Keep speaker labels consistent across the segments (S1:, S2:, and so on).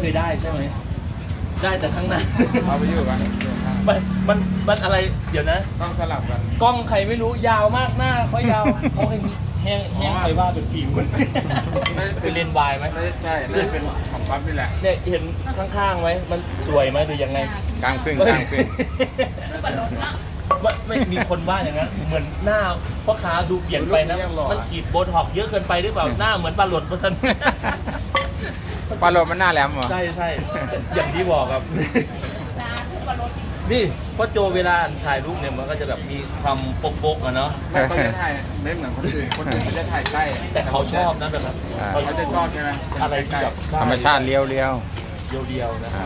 S1: ยได้ใช่ไหมได้แต่ข้างหน้า
S2: เอาไปอยู่กัน
S1: มันอะไรเดี๋ยวนะ
S2: ต้องสลับกัน
S1: กล้องใครไม่รู้ยาวมากหน้าเขายาวเขาแห้งใครว่าเป็นฟิล์มมันเป็นเลนส์วายไหม
S2: ใช่น่าจะเป็นของปั๊บนี่แหละ
S1: เนี่ยเห็นข้างๆไหมมันสวยไหมหรือยังไง
S2: กลางครึ่งกลางครึ่ง
S1: ไม่มีคนว่าอย่างนั้นเหมือนหน้าพ่อค้าดูเปลี่ยนไปนะมันฉีดโบท็อกซ์เยอะเกินไปหรือเปล่าหน้าเหมือนปลาหลดเพราะฉะนั้น
S2: ปลาโลมันหน้าแหลมเหรอ
S1: ใช่ใช่อย่างที่บอกครับนี่เพราะโจเวลาถ่ายรูปเนี่ยมันก็จะแบบมีความโป๊กๆอะเนาะ
S2: ไม่เขาจะถ่ายไม่เหมือนคนอื่นคนอื่นเขาจะถ่ายใกล้
S1: แต่เขาชอบนะแบบนั้น
S2: เขาจะชอบใช่ไหม
S1: อะไรที่แบบ
S3: ธรรมชาติเลี้ยว
S1: เดียวๆนะครับ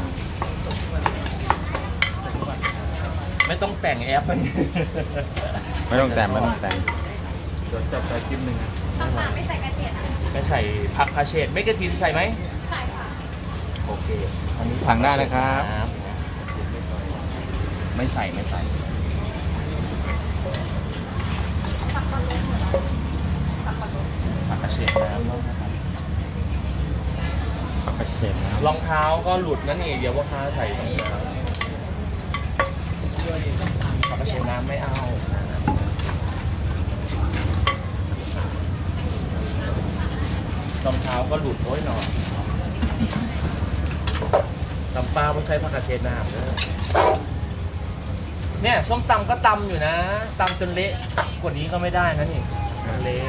S1: ไม่ต้องแต่งแอป
S3: ไม่ต้องแต่ง
S2: เดี๋ยวจับไปคลิปหนึ่ง
S4: ไม่ใส่กระเทียม
S1: ไม่ใส่ผักคาเชดไม่กระถินใส่ไหม
S4: ใส่ค่ะ
S1: โอเคอันนี้
S3: สั่งได้นะครับ
S1: ไม่ใส่ผักคาเชดน้ำนะครับ
S3: ผักกระเฉดนะ
S1: รองเท้าก็หลุดนั่นเองเดี๋ยวว่าค้าใส่รองเท้าผักกาดเชน้ำไม่เอารองเท้าก็หลุดโอ้ยหนอนตำปลาไม่ใช้ผักกาดเชน้ำเลยเนี่ยส้มตำก็ตำอยู่นะตำจนเละกว่านี้ก็ไม่ได้นะนี่เละ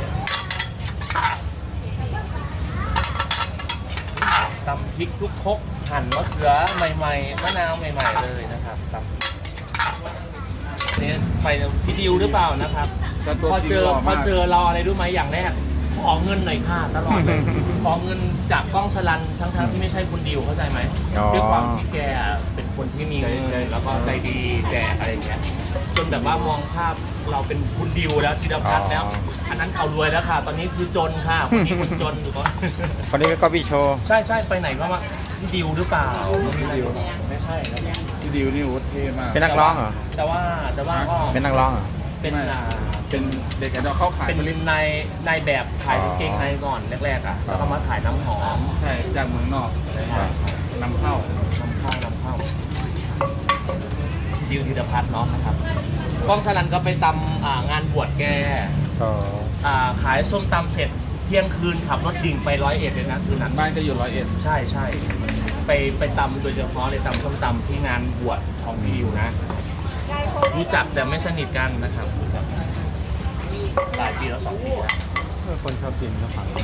S1: ตำพริกทุกครกหั่นมะเขือใหม่ๆมะนาวใหม่ๆเลยนะครับตำนี่ไปพี่ดิวหรือเปล่านะครับ พอเจอเราอะไรรู้ไหมอย่างแรกขอเงินหน่อยค่ะตลอดเลย ขอเงินจากกล้องสลันทั้งที่ไม่ใช่คุณดิวเข้าใจไหมด้วยความที่แกเป็นคนที่มีเงินแล้วก็ใจดีแจกอะไรอย่างเงี้ยจนแบบว่ามองภาพเราเป็นคุณดิวแล้วธีรพัฒน์แล้วอันนั้นเขารวยแล้วค่ะ ตอนนี้คือจนค่ะคนนี้คนจนอยู่ก็
S3: คนนี้ก็พี่โชว์
S1: ใช่ไปไหนก็มาพี่ดิวหรือเปล่าไม่ใช่นะ
S2: พี่ดิวนี่โอ้เท่มาก
S3: เป็นนักร้องเหรอ
S1: แต่ว่าก็
S3: เป็นนักร้องเหรอ
S1: เป็น
S2: เป็นเด็กไอดอลเข้าขาย
S1: เป็นนายแบบขายกางเกงในก่อนแรกๆอ่ะแล้วก็มาขายน้ำหอม
S2: ใช่จากเมืองนอกนำเข้า
S1: นำเข้าดิวธีรพัฒน์เนาะนะครับกล้องสนันก็ไปตำงานบวชแก
S3: ก็
S1: ขายส้มตำเสร็จเที่ยงคืนขับรถดิ่งไป101เลยนะคืนนั้น
S2: บ้านก็อยู่101
S1: ใช่ไปตำโดยเฉพาะเลยตำส้มตำที่งานบวชของพี่ดิวนะรู้จักแต่ไม่สนิทกันนะครับรู้จักหลายปีแล้ว2 ปีแล้ว
S3: คนชอบกินก็ฝัง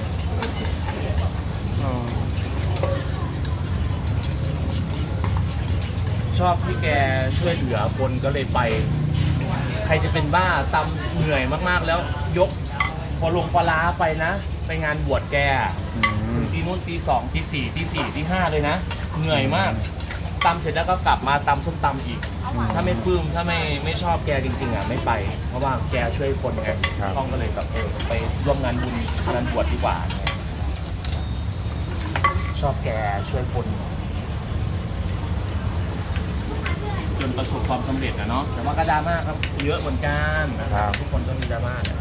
S1: ชอบที่แกช่วยเหลือคนก็เลยไป ใครจะเป็นบ้าตำเหนื่อยมากๆแล้วยกพอลงปลาร้าไปนะ ไปงานบวชแกถึงตีนู่นตี 2ตี 4ตี 4ตี 5เลยนะ เหนื่อยมากตำเสร็จแล้วก็กลับมาตำส้มตำอีก ถ้าไม่ปลื้มถ้าไม่ชอบแกจริงๆอ่ะไม่ไป เพราะว่าแกช่วยคนไงต้องก็เลยแบบไปร่วมงานบุญงานบวชดีกว่า ชอบแกช่วยคนจนประสบความสำเร็จนะเนาะแต่ว่าก็ดราม่าครับเยอะเหมือนกันนะครับทุกคนต้องมีดราม่าเนี่ย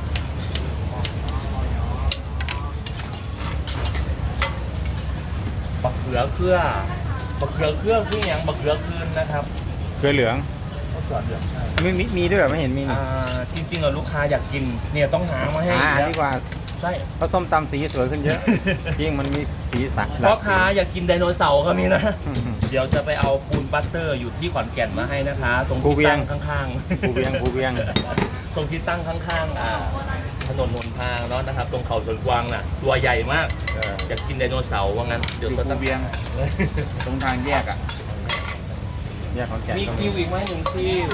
S1: บักเขือเครือที่อย่างบักเขือคืนนะครับ
S3: เกลือเหลือง
S1: ก็เขือเหลืองใช่
S3: มีด้วยเหรอไม่เห็นมีนี่
S1: จริงๆอะลูกค้าอยากกินเนี่ยต้องหามาให้อีกแล้ว
S3: ดีกว่า
S1: ใช่
S3: เพราะส้มตำสีสวยขึ้นเยอะ ยิ่งมันมีสีสัน
S1: พ่อค้าอยากกินไดโนเสาร์ก็มีนะ เดี๋ยวจะไปเอาปูนบัตเตอร์อยู่ที่ขอนแก่นมาให้นะคะ ตรงที่ตั้งข้างๆ
S3: ภูเวียง
S1: ตรงที่ตั้งข้างๆถนนหนทางเนาะนะครับ ตรงเขาสวนกวางน่ะตัวใหญ่มากอยากกินไดโนเสาร์ว่างั้นเดี๋ยว
S2: อยู่
S1: ก็
S2: ภู
S1: ต้อง
S2: เวียงตรงทางแยกอ่ะ
S3: แยกของแก่น
S1: มี
S3: ก็
S1: คิวอีกไหม1 คิว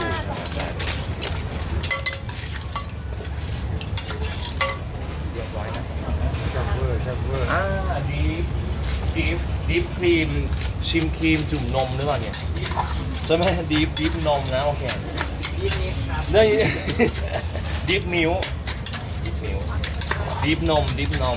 S1: เรียบร้อยนะ
S3: แซ่บเวอร์
S1: ดีฟครีมชิมครีมจุ่มนมหรือเปล่าเนี่ยใช่ไหมดีฟนมนะโอเคเรื่องดีฟนิ้วดีฟนม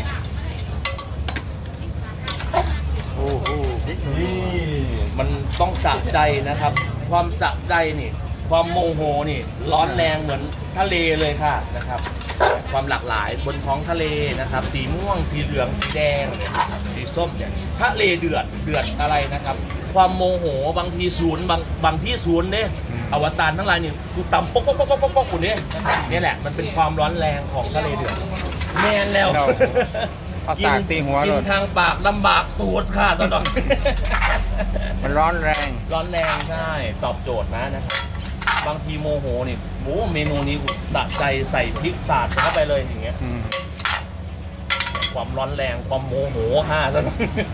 S1: โอ้โหนี่มันต้องสะใจนะครับ ความสะใจนี่ความโมโหนี่ร้อนแรงเหมือนทะเลเลยค่ะนะครับควความหลากหลายบนท้องทะเลนะครับ สีม่วงสีเหลืองสีแดงสีส้มเนี่ยทะเลเดือดอะไรนะครับ ความโมโหบางทีศูนย์บางที่ศูนย์เนี่ยอวตารทั้งหลายนี่กูตำป๊อกกูเนี่ยนี่แหละมันเป็นความร้อนแรงของทะเลเดือดแมนแล้ว
S3: เอาสากตีหัว
S1: กิ
S3: เล
S1: น
S3: ย
S1: ทางปากลำบากตูดค่ะสะดอก
S3: มันร้อนแรง
S1: ร้อนแรงใช่ตอบโจทย์นะครับบางทีโมโหนี่โอ้เมนูนี้สะใจใส่พริกสาดเข้าไปเลยอย่างเงี้ย
S3: อืม
S1: ความร้อนแรงความโมโหค่ะ